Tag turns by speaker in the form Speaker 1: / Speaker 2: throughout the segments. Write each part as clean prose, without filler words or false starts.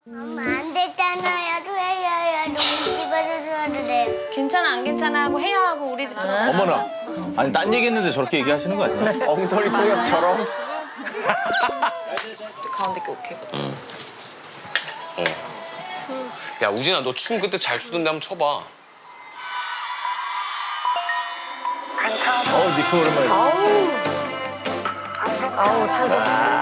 Speaker 1: 엄마 안 됐잖아요. 줘야 너무 집에서 줘야 돼.
Speaker 2: 괜찮아 안 괜찮아 하고 해야 하고 우리 집 들어가.
Speaker 3: 어머나. 아니 딴 얘기했는데 저렇게 얘기하시는 거 아니야?
Speaker 4: 엉터리 통역처럼.
Speaker 2: 가운데 게 오케이.
Speaker 5: 야 우진아 너 춤 그때 잘 추던데 한번 춰봐.
Speaker 3: 니코 오랜만에.
Speaker 6: 아우 찬성.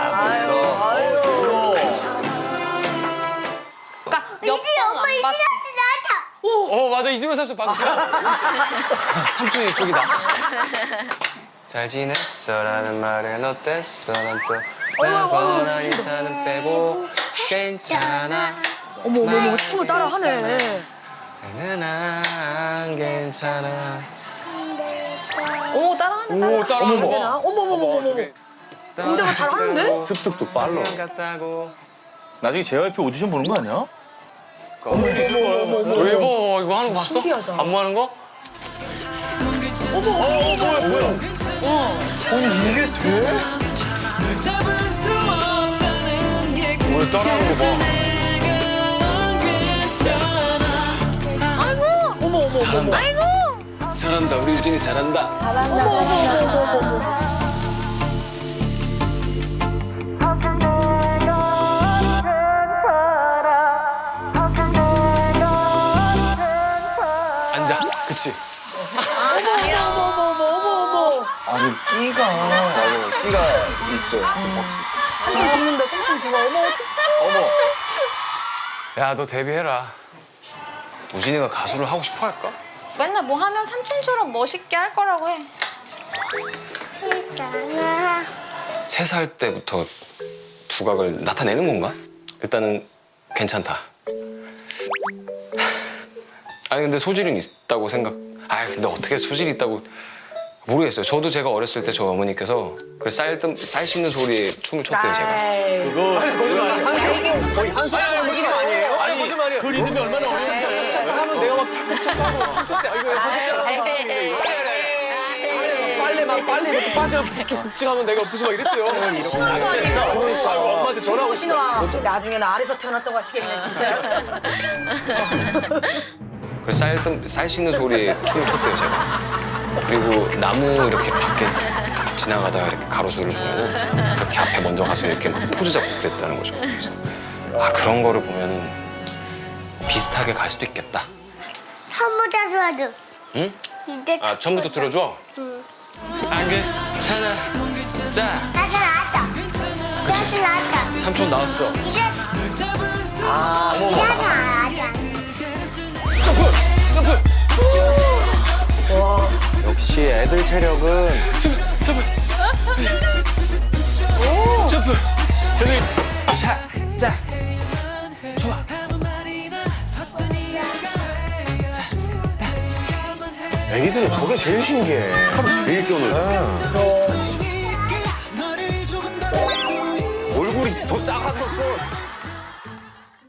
Speaker 2: 그러니까 몇번안 봤지.
Speaker 5: 맞아 이즈면 삼촌 방금 삼촌이 이쪽이다. 잘 지냈어라는 말은 어땠어 난또 나거나 인사는 빼고 괜찮아
Speaker 6: 어머 춤을 따라 하네.
Speaker 5: 나는 안 괜찮아.
Speaker 2: 오 따라하네.
Speaker 5: 오 따라하는
Speaker 6: 되나?
Speaker 5: 거.
Speaker 6: 어머머머머머. 은자가 잘 하는데?
Speaker 3: 습득도 빨라.
Speaker 5: 같다고.
Speaker 3: 나중에 JYP 오디션 보는 거 아니야?
Speaker 5: 대박 이거 하는 거 봤어?
Speaker 6: 신기하다.
Speaker 5: 안무 하는 거?
Speaker 4: 이게 돼?
Speaker 5: 왜 따라하는 거 봐.
Speaker 6: 어머.
Speaker 5: 잘한다. 잘한다 우리 유진이 잘한다. 앉아. 그치?
Speaker 6: 어머.
Speaker 4: 아니 끼가. 맞아 끼가 있죠.
Speaker 6: 삼촌 죽는다. 삼촌 죽어. 어머.
Speaker 4: 어머.
Speaker 5: 야 너 데뷔해라. 우진이가 가수를 하고 싶어 할까?
Speaker 2: 맨날 뭐 하면 삼촌처럼 멋있게 할 거라고 해.
Speaker 1: 괜찮아.
Speaker 5: 3살 때부터 두각을 나타내는 건가? 일단은 괜찮다. 아니 근데 소질은 있다고 생각. 아 근데 어떻게 소질이 있다고 모르겠어요. 저도 제가 어렸을 때 저 어머니께서 그 쌀 씹는 소리에 춤을 췄대요 제가.
Speaker 3: 그거
Speaker 4: 거의 한 사람 느낌 아니에요?
Speaker 3: 아니 거짓말이야. 그 리듬이 얼마나 어려운데.
Speaker 4: 착각 하면 내가 막 착각하고 춤췄대. 아이고 빨래부터 빠지면 북직북직하면 내가 옆에서 막 이랬대요. 그러니까 엄마한테 전화하고
Speaker 6: 신아. 또 나중에 나 아래서 태어났다고 하시겠네 진짜.
Speaker 5: 그 쌀 씹는 소리에 춤을 췄대요 제가. 그리고 나무 이렇게 밖에 지나가다가 이렇게 가로수를 보고 그렇게 앞에 먼저 가서 이렇게 막 포즈 잡고 그랬다는 거죠. 그래서 아 그런 거를 보면 비슷하게 갈 수도 있겠다.
Speaker 1: 처음부터 줘줘.
Speaker 5: 응?
Speaker 1: 이제
Speaker 5: 아 처음부터 들어줘? 응. 안 괜찮아. 자,
Speaker 1: 나왔다.
Speaker 5: 그치.
Speaker 1: 나왔다.
Speaker 5: 삼촌 나왔어.
Speaker 1: 이제
Speaker 5: 이제
Speaker 1: 나왔다.
Speaker 5: 점프!
Speaker 4: 역시 애들 체력은
Speaker 5: 점프! 저기 자, 좋아.
Speaker 4: 애기들은 저게 제일 신기해. 하루 제일 뛰어놀. 얼굴이 더 작았었어.